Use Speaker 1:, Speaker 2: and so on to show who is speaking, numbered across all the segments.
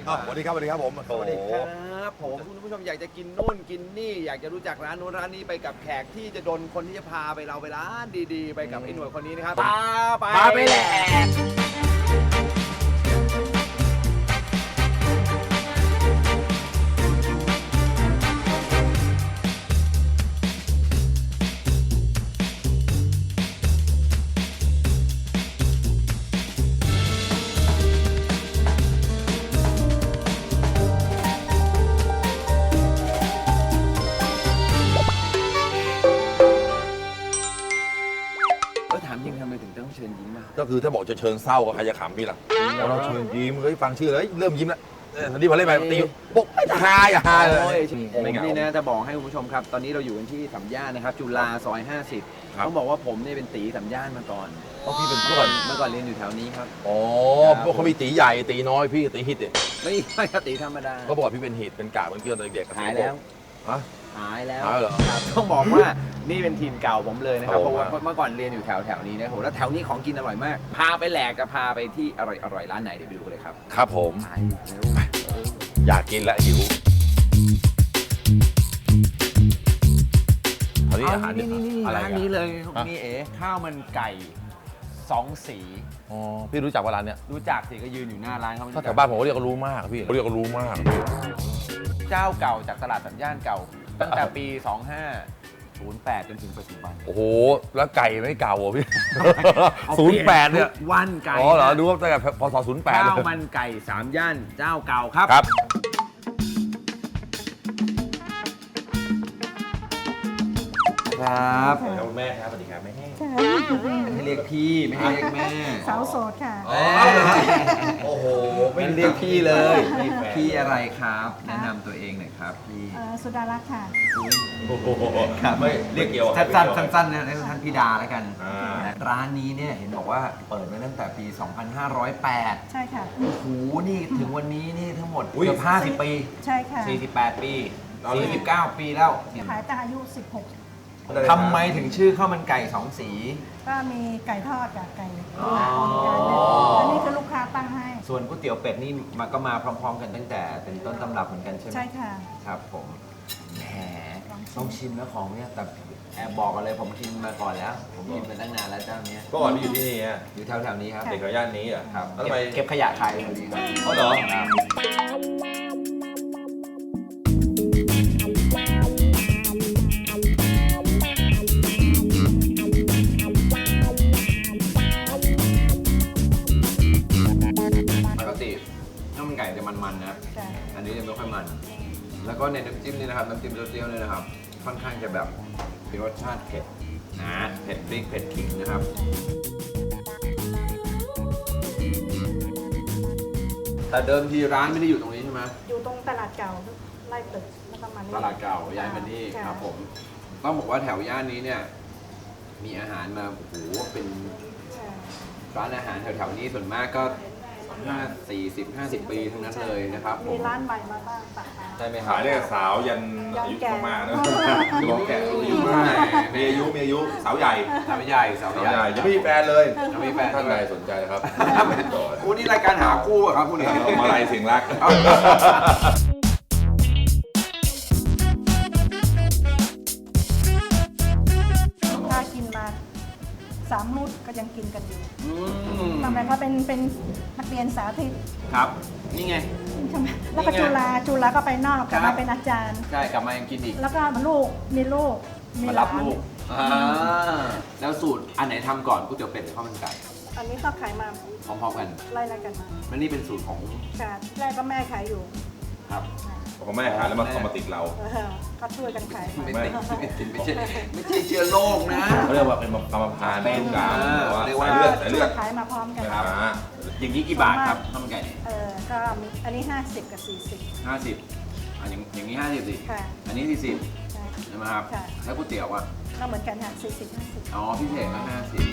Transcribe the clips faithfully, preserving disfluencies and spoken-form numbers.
Speaker 1: ดีกว่า
Speaker 2: สวัสดีครับสวัสดีครับผม
Speaker 1: สวัสดีครับผมคุณผู้ชมอยากจะกินนู่นกินนี่อยากจะรู้จักร้านนู้นร้านนี้ไปกับแขกที่จะโดนคนที่จะพาไปเราไปร้านดีๆ ไปกับไอ้หน่วยคนนี้นะครับพาไป
Speaker 2: พาไปแหลก
Speaker 1: ก็ถามจริงทำไมถึงต้องเชิญยิ้มมา
Speaker 2: ก็คือถ้าบอกจะเชิญเศร้าก็ใครจะขำพี่ล่ะเราเชิญยิ้มเฮ้ยฟังชื่อเลยเริ่มยิ้มแล้วตอนนี้พอเล่นไปตีปุ๊บไม่จะฮาอย่าฮาเลย
Speaker 1: ผม
Speaker 2: ไม่เหงา
Speaker 1: นี่นะจะบอกให้คุณผู้ชมครับ ตอนนี้เราอยู่กันที่สัมย่านนะครับ จุฬาซอยห้าสิบ
Speaker 2: ครับ
Speaker 1: ต้องบอกว่าผมเนี่ยเป็นตีสัมย่านมาก่อน
Speaker 2: เพราะพี่เป็น
Speaker 1: เมื่
Speaker 2: เพื่
Speaker 1: อ
Speaker 2: อ
Speaker 1: ก่อน นเมื่อก่อนเรียนอยู่แถวนี้ครับ
Speaker 2: อ๋อ
Speaker 1: ครับ
Speaker 2: พวกเขามีตีใหญ่ตีน้อยพี่ตีฮิตเนี่ย
Speaker 1: ไม่ไม่ครับตีธรรมดา
Speaker 2: ก็บอกว่าพี่เป็นฮิตเป็นกาเป็นเกลือตอนเด็กๆ
Speaker 1: หายแล้ว
Speaker 2: ฮะ
Speaker 1: หายแล้ว
Speaker 2: หายเหรอ
Speaker 1: ครับต้องบอกว่านี่เป็นทีมเก่าผมเลยนะครับ
Speaker 2: โอ้
Speaker 1: เพราะว่า
Speaker 2: ครับ
Speaker 1: เมื่อก่อนเรียนอยู่แถวแถวนี้นะครับแล้วแถวนี้ของกินอร่อยมาก พาไปแหลกกับพาไปที่อร่อยอร่อยร้านไหนเดี๋ยวไปดูเลยครับ
Speaker 2: ครับผม
Speaker 1: ไปเร็ว
Speaker 2: อยากกินและหิวตอนนี้อาหาร
Speaker 1: นี่นี่นี่
Speaker 2: อะไร
Speaker 1: ร้าน
Speaker 2: กัน
Speaker 1: นี้เลย
Speaker 2: ฮะ
Speaker 1: นี่เอ๋ข้าวมันไก่สองสี
Speaker 2: อ๋อพี่รู้จักว่าร้านเนี้ย
Speaker 1: รู้จักสิก็ยืนอยู่หน้าร้านเขา
Speaker 2: ถ้าแถวบ้านผมก็เรียกว่ารู้มากพี่เขาเรียกว่ารู้มาก
Speaker 1: เจ้าเก่าจากตลาดสัญญาณเก่า ตั้งแต่ปี สองห้าศูนย์แปด จนถึงปัจจุบัน
Speaker 2: โอ้โหแล้วไก่ไม่เก่าเหรอพี่
Speaker 1: เอา
Speaker 2: ศูนย์แปดเนี่ย
Speaker 1: ทุกวันไก่
Speaker 2: อ๋อเหรอดูว่าตั้งแต่พศศูนย์แปด
Speaker 1: ข้า
Speaker 2: เล
Speaker 1: วย มันไก่สามย่านเจ้าเก่าครับ
Speaker 2: ครับ
Speaker 1: ครับ
Speaker 2: แล้วแม่ครับสวัสดีครับแม่
Speaker 3: ค่ะ
Speaker 1: ให้เรียกพี่ไม่ให้เรียกแม่
Speaker 3: สาวโสดค่ะ
Speaker 1: อ๋อ
Speaker 2: โอ้โห
Speaker 1: ไม่เรียกพี่เลย
Speaker 2: ไม่แฟน
Speaker 1: พี่อะไรครับ แนะนำตัวเองหน่อยครับพี่
Speaker 3: เอ่อสุดารักษ์ค่ะ
Speaker 2: โอ้โห
Speaker 1: ครับ
Speaker 2: ไม่เรียกเกี่ยว
Speaker 1: สั้นๆสั้นๆนะเรียกท่านพี่ดาแล้วกัน
Speaker 2: อ่า
Speaker 1: ร้านนี้เนี่ยเห็นบอกว่าเปิดมาตั้งแต่ปี สองพันห้าร้อยแปด
Speaker 3: ใช่ค่ะ
Speaker 1: โอ้โห นี่ถึงวันนี้นี่ทั้งหมด
Speaker 2: อุ๊ย
Speaker 1: เกือบห้าสิบปี
Speaker 3: ใช่ค่ะ
Speaker 1: สี่สิบแปดปี
Speaker 2: เอาเลย
Speaker 1: สี่สิบเก้าปีแล้ว
Speaker 3: ขายตั้งอายุ สิบหก
Speaker 1: ทำไมถึงชื่อข้าวมันไก่สองสี
Speaker 3: ก็มีไก่ทอดกับไก่
Speaker 1: อ๋อ
Speaker 3: อันนี้คือลูกค้าตั้งให้
Speaker 1: ส่วนก๋วยเตี๋ยวเป็ดนี่มาก็มาพร้อม ๆ กันตั้งแต่เป็นต้นตำรับเหมือนกันใช่ไหม
Speaker 3: ใช่ค่ะ
Speaker 1: ครับผมแหม
Speaker 3: ลองชิม
Speaker 1: ต้องชิมนะของเนี่ยแต่แอบบอกกันเลยผมกินมาก่อนแล้ว ผมกินมาตั้งนานแล้วเจ้าเนี้ย
Speaker 2: ก็ก่อนพี่อยู่ที่นี่ฮะ
Speaker 1: อยู่แถวๆนี้ครับ
Speaker 2: เด็กแถวย่านนี้อ่ะ
Speaker 1: ครับ
Speaker 2: แล้วทำไม
Speaker 1: เก็บเก็บขยะขายเลยดีครับ
Speaker 2: อ๋อเหรอ
Speaker 1: ครับปกติข้าวมันไก่จะมันๆนะ
Speaker 3: จ้ะ
Speaker 1: อันนี้จะไม่ค่อยมัน แล้วก็ในน้ำจิ้มนี่นะครับ น้ำจิ้มเปรี้ยวๆเนี่ยนะครับ ค่อนข้างจะแบบมีรสชาติเผ็ดนะเผ็ดพริกเผ็ดขิงนะครับ แต่เดิมทีร้านไม่ได้อยู่ตรงนี้ใช่ไหม
Speaker 3: อยู่ตรงตลาดเก่าไล่ตึกแล้วก็มานี่
Speaker 1: ตลาดเก่าย้ายมานี่
Speaker 3: ะ
Speaker 1: ครับผม ต้องบอกว่าแถวย่านนี้เนี่ย มีอาหารมาโอ้โหเป็น
Speaker 3: ใช่
Speaker 1: ร้านอาหารแถวๆนี้ส่วนมากก็ห้าสี่สิบห้าสิบปีทั้งนั้นเลยนะครับผ
Speaker 3: มี
Speaker 1: ม
Speaker 3: ร้านใหม่มาบ้างปะคะ
Speaker 1: ใช่ไหมครับ
Speaker 2: ขายได้สาวยันอายุมากๆนะ
Speaker 1: มีแก่อายุ
Speaker 2: มี
Speaker 1: มาก
Speaker 2: มีอายุมีอายุสาวใหญ่
Speaker 1: สาวใหญ่สาว
Speaker 2: สาว
Speaker 1: ใหญ่
Speaker 2: ใหญ่ยังไม่มีแฟนเลย
Speaker 1: ยังไม่มีแฟน
Speaker 2: ท่านใดสนใจนะครับ
Speaker 1: คู่นี้รายการหาคู่อะครับคู่นี้
Speaker 2: มาลัยเสียงรัก
Speaker 3: ลูกค้ากินมาสามรุ่นก็ยังกินกันอยู่
Speaker 1: อืม
Speaker 3: ทำไมเขาเป็นเป็นนักเรียนสาธิต
Speaker 1: ครับ นี่ไง
Speaker 3: ใช่ไหมแล้วก็
Speaker 1: นี่ไง
Speaker 3: จุฬาจุฬาก็ไปนอกกลับ
Speaker 1: ครั
Speaker 3: มา
Speaker 1: บ
Speaker 3: เป็นอาจารย์
Speaker 1: ใช่กลับมายังกินอีก
Speaker 3: แล้วก็ลูกมีลูกมี
Speaker 1: มา
Speaker 3: ห
Speaker 1: รั
Speaker 3: ลา
Speaker 1: บ
Speaker 3: น
Speaker 1: ลูกอ่าแล้วสูตรอันไหนทำก่อนก๋วยเตี๋ยวเป็ดหรือข้าวมันไก่
Speaker 3: อันนี้ก็ขายมา
Speaker 1: พร้อมๆกัน
Speaker 3: ไล่ๆกันมา
Speaker 1: แล้วนี่เป็นสูตรของ
Speaker 3: ค่ะแรกก็แม่ขายอยู่
Speaker 1: ครับ
Speaker 2: ของแม่ขายแล้วมาเอามาติดเรา
Speaker 3: เออก็ช่วยกันขาย
Speaker 1: ไม่
Speaker 3: มา
Speaker 1: ไม่ไม่ไม่ใช่ไม่ใช่เชื้อโรคนะ
Speaker 2: เขาเรียกว่าเป็นกรรมพันธุ์
Speaker 1: เป็น
Speaker 2: ลูกกลาง
Speaker 1: เรียกว่า
Speaker 2: สายเลือดสายเลือด
Speaker 3: ขายมาพร้อมกัน
Speaker 1: ครับ
Speaker 2: อ่า
Speaker 1: อย่างนี้กี่บาทครับข้าวมันไก่เนี่ย
Speaker 3: เออก็มีอันนี้ ห้าสิบ กับ สี่สิบ
Speaker 1: ห้าสิบอ่ะอย่างอย่างนี้ห้าสิบสิ
Speaker 3: ค่ะ
Speaker 1: อันนี้สี่สิบ
Speaker 3: ใช่
Speaker 1: ใช่ไหมครับ
Speaker 3: ค่ะ
Speaker 1: แล้วก๋วยเตี๋ยวอ่ะ
Speaker 3: ก็เหมือนกันค่ะสี่สิบ ห้าสิบ
Speaker 1: อ๋อพิเศษก็ห้าสิบ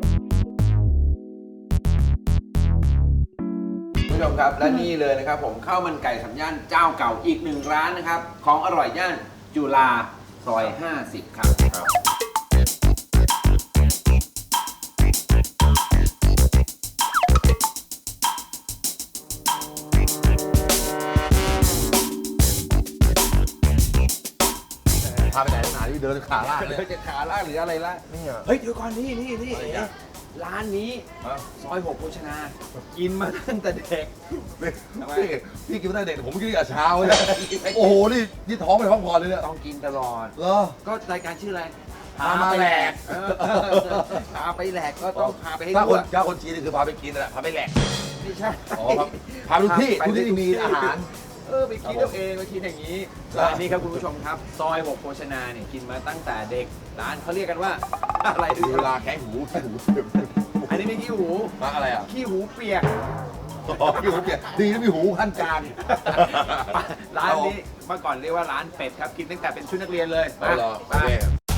Speaker 1: คุณผู้ชมครับและนี่เลยนะครับผมข้าวมันไก่สามย่านเจ้าเก่าอีกหนึ่งร้านนะครับ ของอร่อยย่านจุฬาซอยห้าสิบครับ
Speaker 2: พาไปไหนหนาที่เดินขาลากเลย
Speaker 1: เดินจะขาล่างหรืออะไรล่ะ
Speaker 2: นี่อ่ะ
Speaker 1: เฮ้ยเดี๋ยวก่อนนี่นี่นี่
Speaker 2: อะไรอ่ะ
Speaker 1: ร้านนี้
Speaker 2: ฮะ
Speaker 1: ซอยหกโภชนา กินมาตั้งแต่เด็ก ทำไม
Speaker 2: พี่พี่กินตั้งแต่เด็กผมกินแต่เช้าเลยโอ้โหนี่นี่ท้องไม่ได้พักผ่อนเลยเนี่ย
Speaker 1: ต้องกินตลอด
Speaker 2: เหรอ
Speaker 1: ก็รายการชื่ออะไร
Speaker 2: พามาแหลก
Speaker 1: เออพาไปแหลกก็ต้องพาไปให้
Speaker 2: ถ้า
Speaker 1: ดู
Speaker 2: คน
Speaker 1: อะ
Speaker 2: ถ้าคนจีนนี่คือพาไปกินนั่นแหละพาไปแหลก
Speaker 1: ไม่ใช่
Speaker 2: อ๋อครับพาไปทุกที่
Speaker 1: ไป
Speaker 2: ทุกที่ที่มีอาหาร
Speaker 1: เออไปคิดเอาเองไปคิดอย่างนี้
Speaker 2: ครับ
Speaker 1: ร้านนี้ครับคุณผู้ชมครับ ซอยหกโภชนาเนี่ยกินมาตั้งแต่เด็กร้านเขาเรียกกันว่า อะไร
Speaker 2: คือเวลาแข้งหูแข้งหู
Speaker 1: อันนี้ไม่ขี้หู
Speaker 2: มาอะไรอ่ะ
Speaker 1: ขี้หูเปียก
Speaker 2: อ๋อขี้หูเปียกดีนะมีหูขั้นกลาง
Speaker 1: ร้านนี้เมื่อก่อนเรียกว่าร้านเป็ดครับกินตั้งแต่เป็นชุดนักเรียนเลย
Speaker 2: เอาเหรอโอ
Speaker 1: มา
Speaker 2: เค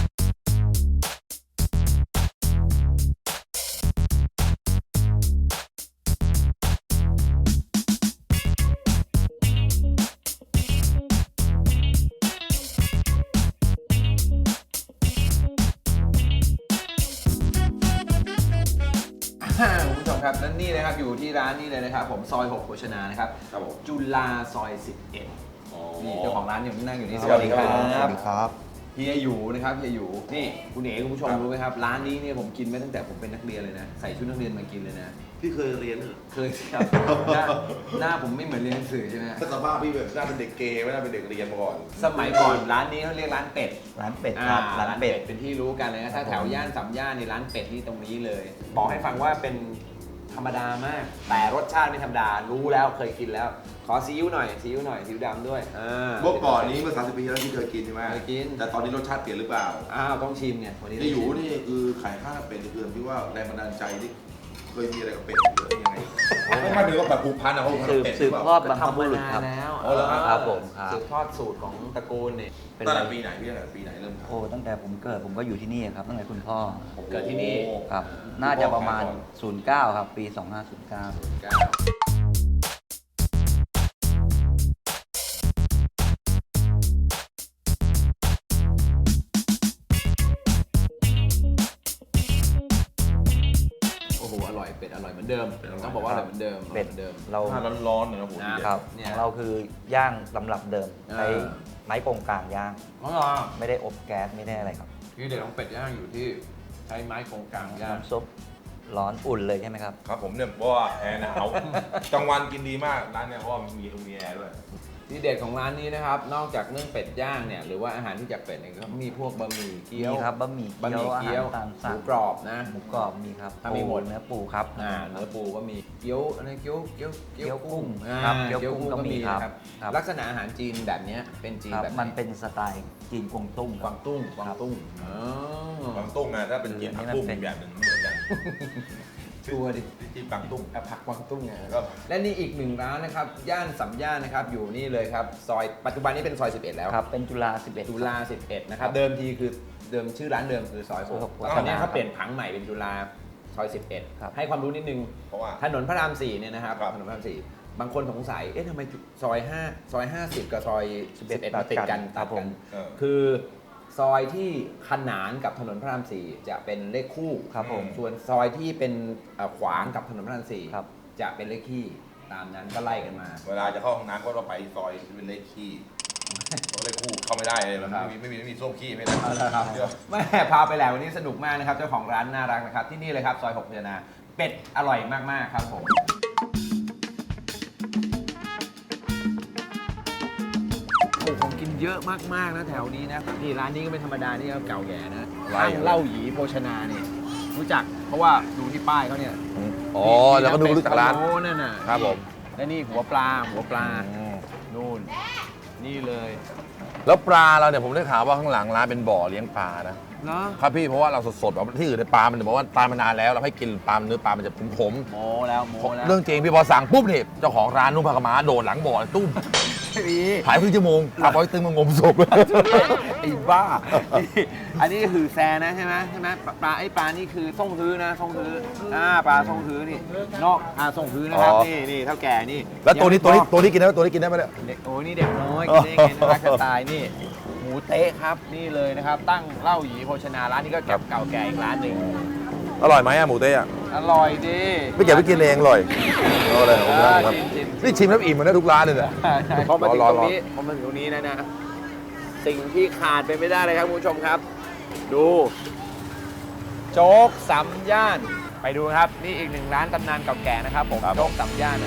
Speaker 1: อ่าคุณผู้ชมครับและนี่นะครับอยู่ที่ร้านนี้เลยนะครับผมซอยหกโภชนานะครับ
Speaker 2: ครับผม
Speaker 1: จุฬาซอยสิบเอ็ด
Speaker 2: อ๋อ
Speaker 1: นี่เจ้าของร้านอยู่นั่งอยู่นี่
Speaker 2: สวัสดีครับ
Speaker 4: สวัสดีครับ
Speaker 1: เฮียอยู่นะครับเฮียอยู่นี่คุณเอ๋คุณผู้ชมรู้ไหมครับร้านนี้เนี่ยผมกินมาตั้งแต่ผมเป็นนักเรียนเลยนะใส่ชุดนักเรียนมากินเลยนะ
Speaker 2: พี่เคยเรียนเหรอ
Speaker 1: เคยครับหน้าหน้าผมไม่เหมือนเรียนหนังสือใช่ไหม
Speaker 2: สภาพพี่แบบน่าเป็นเด็กเกย์ไม่น่าเป็นเด็กเรียนมาก่อน
Speaker 1: สมัยก่อนร้านนี้เขาเรียกร้านเป็ด
Speaker 4: ร้านเป็ด
Speaker 1: อ่า
Speaker 4: ครับ ร้านเป็ด
Speaker 1: เป็นที่รู้กันเลยนะถ้าแถวย่านสามย่านในร้านเป็ดนี่ตรงนี้เลย บอกให้ฟังว่าเป็นธรรมดามาก แต่รสชาติไม่ธรรมดารู้แล้วเคยกินแล้ว ขอซีอิ๊วหน่อยซีอิ๊วหน่อยซีอิ๊วดำด้วยอ่า
Speaker 2: เมื่อก่อนนี้เมื่อสามสิบปีที่แล้วที่เคยกินใช่ไหม
Speaker 1: เคยกิน
Speaker 2: แต่ตอนนี้รสชาติเปลี่ยนหรือเปล่า
Speaker 1: อ้าวต้องชิมไงวันนี้
Speaker 2: ที่อยู่นี่คือขายข้าวเป็ดเพื่อนพี่ว่าแรงบันดาลใจที่เคยมีอะไรกับเป็ดหรือยังไงไม่ไม่ถึงว่าแบบผูกพันอะเขาผูกพัน
Speaker 4: สื
Speaker 2: กับบ เป็ด
Speaker 4: สืบ
Speaker 2: หรือ
Speaker 4: ท
Speaker 2: เป
Speaker 4: อ
Speaker 2: ล่า
Speaker 4: ดบรรพบุรุษครับ
Speaker 1: ทำมานานแล้ว
Speaker 2: อ๋อเหรอครับ
Speaker 4: ครับผมครับ
Speaker 1: สืบทอดสูตรของตระกูลเนี่ย
Speaker 4: เป็น
Speaker 2: ตั้ง
Speaker 4: ไร
Speaker 2: แต่ปีไหนพี่ตั้งแต่ปีไหนเริ่มทำ
Speaker 4: โอ้ตั้งแต่ผมเกิดผมก็อยู่ที่นี่ครับตั้งแต่คุณพ่อ
Speaker 1: เกิดที่นี่
Speaker 4: ครับ น่าจะประมาณ ศูนย์เก้า ครับ ปี สองห้าศูนย์เก้า
Speaker 1: เก้าโอ้โหอร่อยเป็ดอร่อยเหมือนเดิมต้องบอกว่าอร่อยเหมือนเดิมอร่อย
Speaker 4: เป็ด
Speaker 1: เหมือนเดิม
Speaker 4: เรา
Speaker 2: ถ้าร้อนๆเนี่ยนะผม
Speaker 1: อ่า
Speaker 4: ครับ
Speaker 1: เนี่ย
Speaker 4: ของเราคือย่างตำรับเดิม
Speaker 1: เออ
Speaker 4: ใช้ไม้โกงกลางย่าง
Speaker 1: อ๋อเหรอ
Speaker 4: ไม่ได้อบแก๊สไม่ได้อะไรครับ
Speaker 1: ที่เด็ดของเป็ดย่างอยู่ที่ใช้ไม้โครงกลางย่าง
Speaker 4: น้ำซุปร้อนอุ่นเลยใช่ไหมครับ
Speaker 2: ครับผมเนี่ยเพราะว่าแอร์หนาวกลางวันกินดีมากร้านเนี่ยเพราะว่ามีมีแอร์ด้วย
Speaker 1: ที่เด็ดของร้านนี้นะครับ นอกจากเรื่องเป็ดย่างเนี่ยหรือว่าอาหารที่จากเป็ดเนี่ยก็มีพวกบะหมี่เกี๊ยว
Speaker 4: มีครับบะหมี่
Speaker 1: บะหมี่
Speaker 4: เกี๊
Speaker 1: เกี๊
Speaker 4: ย
Speaker 1: ยว ว
Speaker 4: อาหารตาม
Speaker 1: ห
Speaker 4: สั่
Speaker 1: มู
Speaker 4: ง
Speaker 1: กรอบนะ
Speaker 4: หมูกรอบมีครับ
Speaker 1: ถ้ามีหมด
Speaker 4: ปูเนื้อปูครับ
Speaker 1: อ่าเนื้อปูก็มีเกี๊ยวอะไรเกี๊ยวเกี๊ยว
Speaker 4: เกี๊ยวกุ้ง
Speaker 1: อ่า
Speaker 4: ครับเกี๊ยวกุ้งก็มีครับ
Speaker 1: นะครับ ลักษณะอาหารจีนแบบเนี้ยเป็นจีน
Speaker 4: ครับ
Speaker 1: แบบไห
Speaker 4: มันเป็นสไตล์จีนกวงตุ้ง
Speaker 1: ก
Speaker 4: ครั
Speaker 1: วา
Speaker 4: บ
Speaker 1: งตุ้งกวางตุ้งอ๋อ
Speaker 2: กวางตุ้งนะถ้าเป็นจีนผักตุ้งอีกแบบหนึ่งไม่เหมือนกัน
Speaker 1: ชัวร์ดิ
Speaker 2: จีนกวางตุ้ง
Speaker 1: อ่ะผักกวางตุ้งไง
Speaker 2: ก็
Speaker 1: และนี่อีกหนึ่งร้านนะครับย่านสัมย่านนะครับอยู่นี่เลยครับซอยปัจจุบันนี้เป็นซอยสิบเอ็ดแล้ว
Speaker 4: ครับ เป็นจุฬาสิบเอ็ด
Speaker 1: จุฬาสิบเอ็ดนะครับเดิมทีคือเดิมชื่อร้านเดิมคือซอยหก
Speaker 4: ซอยหก
Speaker 1: ตอนนี้เขาเปลี่ยนผังใหม่เป็นจุฬาซอยสิบเอ็ด
Speaker 4: ครับ
Speaker 1: ให้ความรู้นิดนึง
Speaker 2: เพราะว่า
Speaker 1: ถนนพระรามสี่เนี่ยนะครับ
Speaker 2: ครับ
Speaker 1: ถนนพระรามสี่บางคนสงสัยเอ๊ะทำไมซอยห้าซอยห้าสิบกับซอยสิบเอ็ดมาติดกัน
Speaker 4: ครั
Speaker 1: ตั
Speaker 4: บ
Speaker 1: ด
Speaker 4: ผ
Speaker 1: กั
Speaker 4: ม
Speaker 1: น
Speaker 2: เออ
Speaker 1: คือซอยที่ขนานกับถนนพระรามสี่จะเป็นเลขคู่
Speaker 4: ครับผม
Speaker 1: ส่วนซอยที่เป็นเอ่อขวางกับถนนพระรามสี่
Speaker 4: ครับ
Speaker 1: จะเป็นเลขขี้ตามนั้นก็ไล่กันมา
Speaker 2: เวลาจะเข้าห้องน้ำก็ต้องไปซอยที่เป็นเลขขี้เพราะเลขคู่เข้าไม่ได้เลยมันไม่มีไม่มีไม่มีส้วมขี้ไม่ได้ เดี๋ยว
Speaker 1: แม่พาไปแล้ววันนี้สนุกมากนะครับเจ้าของร้านน่ารักนะครับที่นี่เลยครับซอยหกพิจารณาเป็ดอร่อยมากๆครับผมโอ้ผมกินเยอะมากๆนะแถวนี้นะนี่ร้านนี้ก็ไม่ธรรมดานี่ก็เก่าแก่นะ
Speaker 2: ไล่
Speaker 1: ตั้งเหล่าหยีโภชนาเนี่ยรู้จักเพราะว่าดูที่ป้ายเขาเนี่ย
Speaker 2: อ๋อแล้วก็ดูรู้จักร้าน
Speaker 1: โอ้นั่นน่ะ
Speaker 2: ครับผม
Speaker 1: และนี่หัวปลาหัวปลานู่นนี่เลย
Speaker 2: แล้วปลาเราเนี่ยผมได้ข่าวว่าข้างหลังร้านเป็นบ่อเลี้ยงปลานะ
Speaker 1: เนาะ
Speaker 2: ครับพี่เพราะว่าเราสดๆแบบที่อื่นในยปลามันบอกว่าตายมานานแล้วเราให้กินปลาเนื้อปลามันจะขม
Speaker 1: โมแล้วโม
Speaker 2: ๆ
Speaker 1: แล้ว
Speaker 2: เรื่องจริงพี่พอสั่งปุ๊บเนี่ยเจ้าของร้านนุ่มผักกะหมาโดดหลังบ่อตุ้ม
Speaker 1: พี่
Speaker 2: หายครึ่งชั่วโมงปลาบอยตึงมางมศพ
Speaker 1: ไอ้บ้า อันนี้คือแซนะใช่ไหมใช่ไหมปลาปลาไอ้ปลานี่คือส่งฮื้อนะส่งฮื้ออ่าปลาส่งฮื้อนี่นอกอ่าส่งฮื้อนะครับ
Speaker 2: อ๋อ
Speaker 1: นี่นี่เท่าแก่นี่
Speaker 2: แล้วตัวนี้
Speaker 1: ยัง
Speaker 2: ตัวนี้
Speaker 1: บอก
Speaker 2: ตัวนี้กินได้ไหมตัวนี้กินได้ไหมเนี่ย
Speaker 1: เด็กโอ้ยนี่เด็กน้อยกินได้ไงน่ารักจะตายนี่หมูเต๊ะครับนี่เลยนะครับ ตั้งเหล้าหยีโภชนาร้านนี้ก็เก็บเก่าแก่อีกร้านหนึ่ง
Speaker 2: อร่อยไหมอะหมูเต้อะ
Speaker 1: อร่อยดี
Speaker 2: ไม่เก็บไปกินเองอร่อยเอาเลยผม
Speaker 1: เอ
Speaker 2: ได้
Speaker 1: อ
Speaker 2: ครับ
Speaker 1: ชิมชิม
Speaker 2: นี่ชิมแล้วอิ่มเหมือนได้ทุกร้านเลยเนี่ย
Speaker 1: ใช่ใช่พอมาถึง
Speaker 2: รอ
Speaker 1: ต
Speaker 2: ร
Speaker 1: ร
Speaker 2: อ
Speaker 1: งนี้พอมาถึงตรงนี้นะนะสิ่งที่ขาดไปไม่ได้เลยครับคุณผู้ชมครับ ดูโจ๊กสามย่าน ไปดูครับ นี่อีกหนึ่งร้านตำนานเก่าแก่นะครับผมโจ๊กสามย่าน